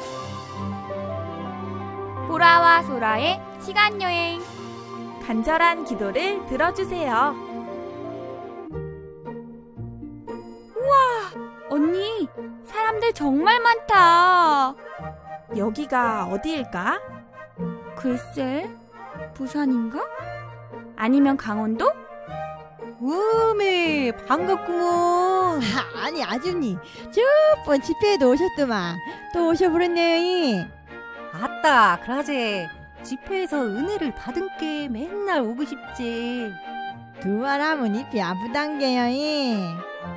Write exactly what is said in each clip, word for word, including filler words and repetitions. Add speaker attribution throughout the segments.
Speaker 1: 보라와 소라의 시간여행.
Speaker 2: 간절한 기도를 들어주세요.
Speaker 1: 우와, 언니, 사람들 정말 많다.
Speaker 2: 여기가 어디일까?
Speaker 1: 글쎄, 부산인가? 아니면 강원도?
Speaker 3: 우메 반갑구먼.
Speaker 4: 아, 아니 아줌니 저번 집회에도 오셨더만 또 오셔버렸네.
Speaker 3: 아따 그러제 집회에서 은혜를 받은 게 맨날 오고 싶지.
Speaker 4: 두 말 하면 입이 아프단게요.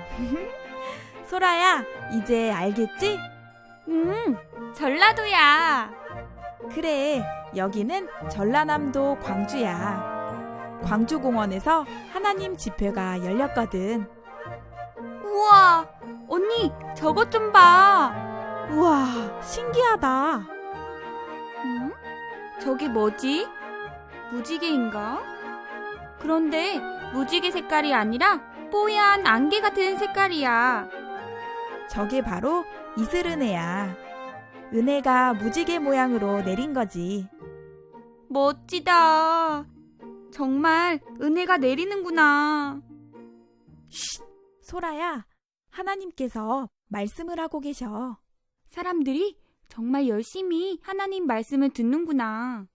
Speaker 2: 소라야, 이제 알겠지?
Speaker 1: 음, 전라도야.
Speaker 2: 그래, 여기는 전라남도 광주야. 광주공원에서 하나님 집회가 열렸거든.
Speaker 1: 우와, 언니, 저것 좀 봐.
Speaker 2: 우와, 신기하다.
Speaker 1: 음? 저게 뭐지? 무지개인가? 그런데 무지개 색깔이 아니라 뽀얀 안개 같은 색깔이야.
Speaker 2: 저게 바로 이슬은혜야. 은혜가 무지개 모양으로 내린 거지.
Speaker 1: 멋지다. 정말 은혜가 내리는구나.
Speaker 2: 쉿, 소라야, 하나님께서 말씀을 하고 계셔.
Speaker 1: 사람들이 정말 열심히 하나님 말씀을 듣는구나.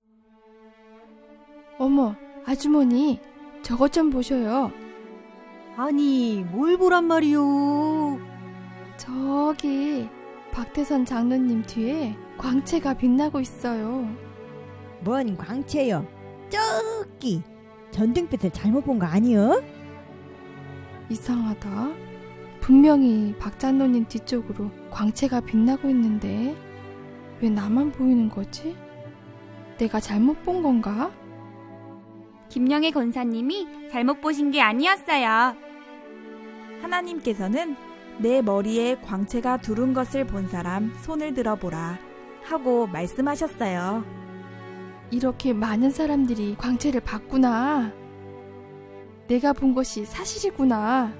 Speaker 5: 어머, 아주머니, 저것 좀 보셔요.
Speaker 3: 아니 뭘 보란 말이오.
Speaker 5: 저기 박태선 장로님 뒤에 광채가 빛나고 있어요.
Speaker 4: 뭔 광채요? 저기 전등빛을 잘못 본 거 아니여?
Speaker 5: 이상하다. 분명히 박 장로님 뒤쪽으로 광채가 빛나고 있는데 왜 나만 보이는 거지? 내가 잘못 본 건가?
Speaker 1: 김영애 권사님이 잘못 보신 게 아니었어요.
Speaker 2: 하나님께서는 내 머리에 광채가 두른 것을 본 사람 손을 들어보라 하고 말씀하셨어요.
Speaker 5: 이렇게 많은 사람들이 광채를 봤구나. 내가 본 것이 사실이구나.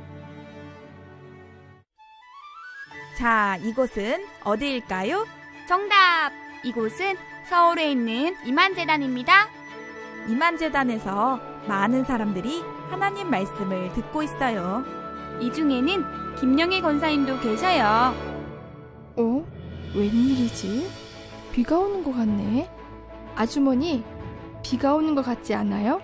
Speaker 2: 자, 이곳은 어디일까요?
Speaker 1: 정답! 이곳은 서울에 있는 이만재단입니다.
Speaker 2: 이만재단에서 많은 사람들이 하나님 말씀을 듣고 있어요.
Speaker 1: 이 중에는 김영애 권사님도 계셔요.
Speaker 5: 어? 웬일이지? 비가 오는 것 같네. 아주머니, 비가 오는 것 같지 않아요?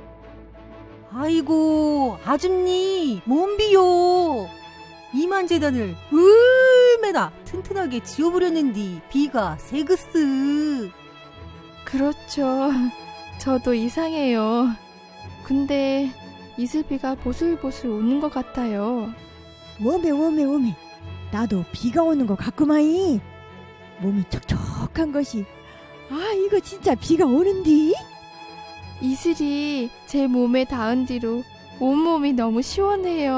Speaker 3: 아이고 아줌니 뭔 비요. 이만재단을 얼마나 튼튼하게 지어버렸는디 비가 새그스.
Speaker 5: 그렇죠. 저도 이상해요. 근데 이슬비가 보슬보슬 오는 것 같아요.
Speaker 4: 워메 워메 워메 나도 비가 오는 거 같구마이. 몸이 촉촉한 것이 아 이거 진짜 비가 오는디?
Speaker 5: 이슬이 제 몸에 닿은 뒤로 온몸이 너무 시원해요.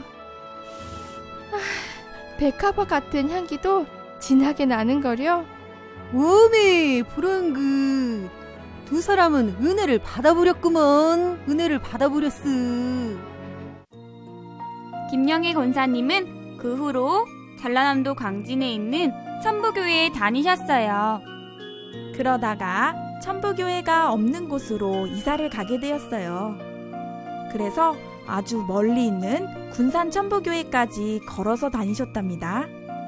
Speaker 5: 아, 백합화 같은 향기도 진하게 나는걸요.
Speaker 3: 오메 불안그 두 사람은 은혜를 받아버렸구먼. 은혜를 받아버렸으.
Speaker 1: 김영애 권사님은 그 후로 전라남도 광진에 있는 천부교회에 다니셨어요.
Speaker 2: 그러다가 천부교회가 없는 곳으로 이사를 가게 되었어요. 그래서 아주 멀리 있는 군산 천부교회까지 걸어서 다니셨답니다.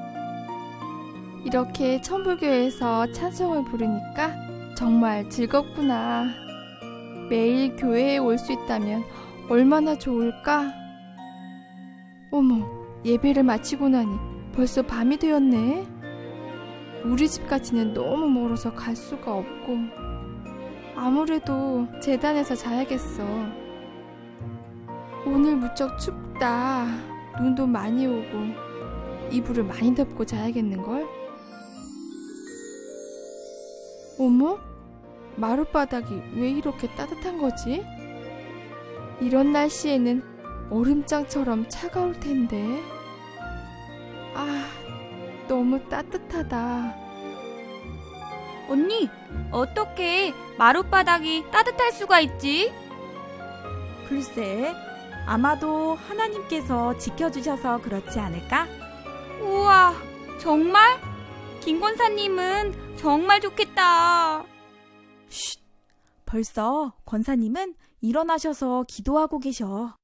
Speaker 5: 이렇게 천부교회에서 찬송을 부르니까 정말 즐겁구나. 매일 교회에 올 수 있다면 얼마나 좋을까? 어머, 예배를 마치고 나니 벌써 밤이 되었네. 우리 집까지는 너무 멀어서 갈 수가 없고 아무래도 재단에서 자야겠어. 오늘 무척 춥다. 눈도 많이 오고 이불을 많이 덮고 자야겠는걸? 어머? 마룻바닥이 왜 이렇게 따뜻한 거지? 이런 날씨에는 얼음장처럼 차가울 텐데. 아, 너무 따뜻하다.
Speaker 1: 언니, 어떻게 마룻바닥이 따뜻할 수가 있지?
Speaker 2: 글쎄, 아마도 하나님께서 지켜주셔서 그렇지 않을까?
Speaker 1: 우와, 정말? 김 권사님은 정말 좋겠다.
Speaker 2: 쉿! 벌써 권사님은 일어나셔서 기도하고 계셔.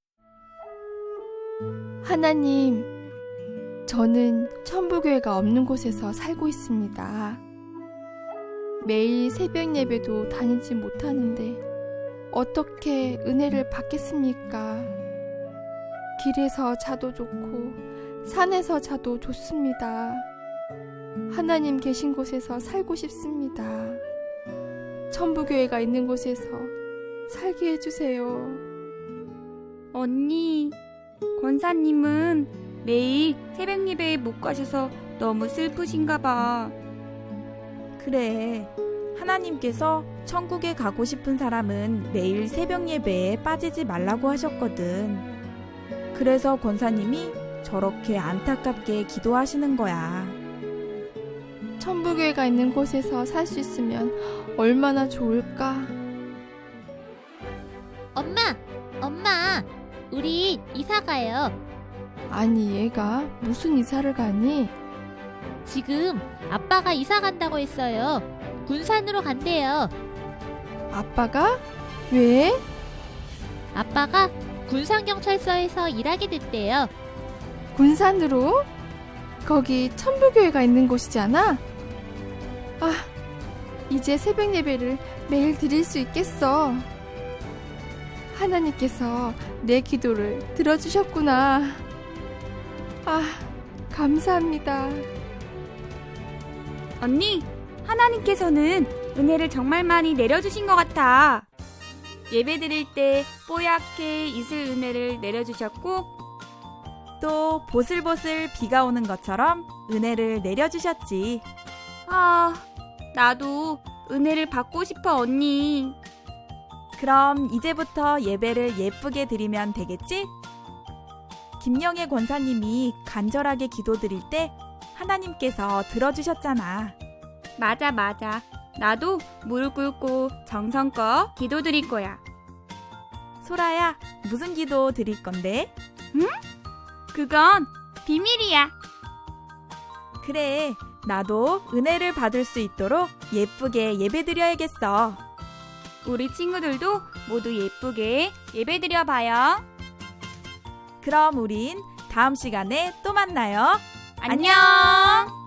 Speaker 5: 하나님, 저는 천부교회가 없는 곳에서 살고 있습니다. 매일 새벽 예배도 다니지 못하는데 어떻게 은혜를 받겠습니까? 길에서 자도 좋고 산에서 자도 좋습니다. 하나님 계신 곳에서 살고 싶습니다. 천부교회가 있는 곳에서 살게 해주세요.
Speaker 1: 언니, 권사님은 매일 새벽 예배에 못 가셔서 너무 슬프신가 봐.
Speaker 2: 그래, 하나님께서 천국에 가고 싶은 사람은 매일 새벽 예배에 빠지지 말라고 하셨거든. 그래서 권사님이 저렇게 안타깝게 기도하시는 거야.
Speaker 5: 천부교회가 있는 곳에서 살 수 있으면 얼마나 좋을까?
Speaker 6: 엄마, 엄마, 우리 이사 가요.
Speaker 5: 아니, 얘가 무슨 이사를 가니?
Speaker 6: 지금 아빠가 이사 간다고 했어요. 군산으로 간대요.
Speaker 5: 아빠가? 왜?
Speaker 6: 아빠가 군산경찰서에서 일하게 됐대요.
Speaker 5: 군산으로? 거기 천부교회가 있는 곳이잖아? 아, 이제 새벽 예배를 매일 드릴 수 있겠어. 하나님께서 내 기도를 들어주셨구나. 아, 감사합니다.
Speaker 1: 언니, 하나님께서는 은혜를 정말 많이 내려주신 것 같아. 예배 드릴 때 뽀얗게 이슬 은혜를 내려주셨고,
Speaker 2: 또 보슬보슬 비가 오는 것처럼 은혜를 내려주셨지.
Speaker 1: 아, 나도 은혜를 받고 싶어, 언니.
Speaker 2: 그럼 이제부터 예배를 예쁘게 드리면 되겠지? 김영애 권사님이 간절하게 기도드릴 때 하나님께서 들어주셨잖아.
Speaker 1: 맞아, 맞아. 나도 무릎 꿇고 정성껏 기도 드릴 거야.
Speaker 2: 소라야, 무슨 기도 드릴 건데?
Speaker 1: 그건 비밀이야.
Speaker 2: 그래, 나도 은혜를 받을 수 있도록 예쁘게 예배드려야겠어.
Speaker 1: 우리 친구들도 모두 예쁘게 예배 드려봐요.
Speaker 2: 그럼 우린 다음 시간에 또 만나요.
Speaker 1: 안녕.